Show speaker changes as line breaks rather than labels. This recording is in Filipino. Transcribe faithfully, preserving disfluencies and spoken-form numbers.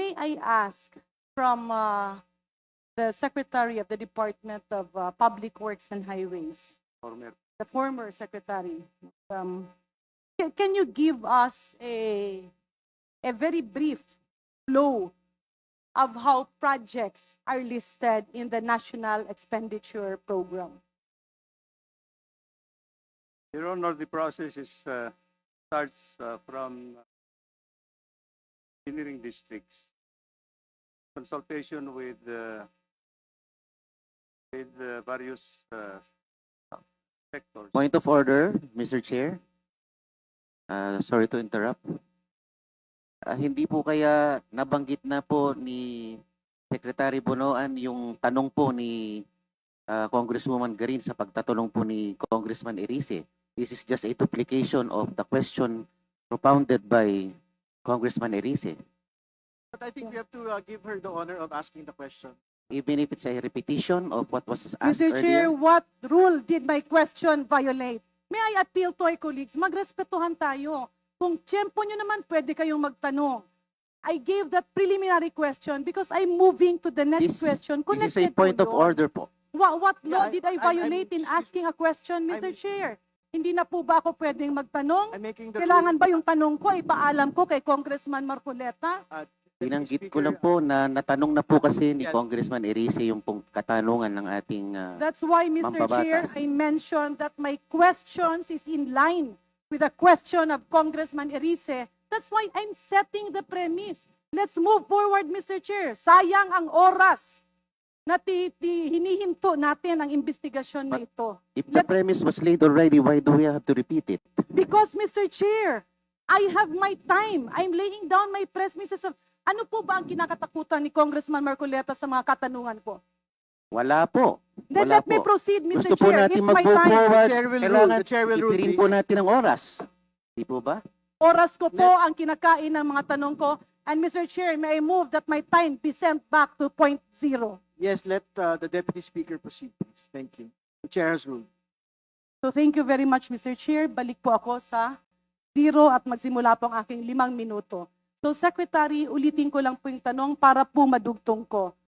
may I ask from uh, the Secretary of the Department of uh, Public Works and Highways,
Former.
the former Secretary, um, can, can you give us a, a very brief flow of how projects are listed in the National Expenditure Program?
Your Honor, the process is uh, starts uh, from engineering districts, consultation with uh, with uh, various uh, sectors.
Point of order, Mister Chair. Uh, sorry to interrupt. Ah, hindi po kaya nabanggit na po ni Secretary Bonoan yung tanong po ni ah, Congresswoman Garin sa pagtatanong po ni Congressman Erice. This is just a duplication of the question propounded by Congressman Erice.
But I think we have to uh, give her the honor of asking the question.
Even if it's a repetition of what was asked
Mister Chair,
earlier.
what rule did my question violate? May I appeal to our colleagues, magrespetuhan tayo. Kung tiyempo nyo naman, pwede kayong magtanong. I gave that preliminary question because I'm moving to the next
This-
question.
This is a
Connected
point
to
of
yun.
order po.
What, what law
Yeah, I-
did I
I'm-
violate
I'm-
in asking a question, Mister
I'm-
Chair? Hindi na po ba ako pwedeng magtanong?
I'm making the
Kailangan ba
ruling-
yung tanong ko, ipaalam ko kay Congressman Marcoleta?
uh, Deputy
Binanggit ko
Speaker,
lang po na natanong na po kasi ni
Yeah.
Congressman Erice yung pong katanungan ng ating ah,
That's why, Mister Chair,
Mambabatas.
I mentioned that my questions is in line with the question of Congressman Erice. That's why I'm setting the premise. Let's move forward, Mister Chair. Sayang ang oras na ti, ti, hinihinto natin ang investigasyon na ito.
If the
Let-
premise was laid already, why do we have to repeat it?
Because, Mister Chair, I have my time. I'm laying down my premises of ano po ba ang kinakatakutan ni Congressman Marcoleta sa mga katanungan ko?
Wala po.
Then
Wala
let me
po.
proceed, Mister
Gusto po
Chair.
natin
It's my
mag-move
time.
forward.
The chair will rule.
Kailangan
The chair will rule,
itirin po
please.
natin ang oras. Di po ba?
Oras ko po ang kinakain ng mga tanong ko. And Mister Chair, may I move that my time be sent back to point zero.
Yes, let uh, the Deputy Speaker proceed, please. Thank you. The chair has ruled.
So thank you very much, Mister Chair. Balik po ako sa zero at magsimula po ang aking limang minuto. So Secretary, ulitin ko lang po yung tanong para po madugtong ko.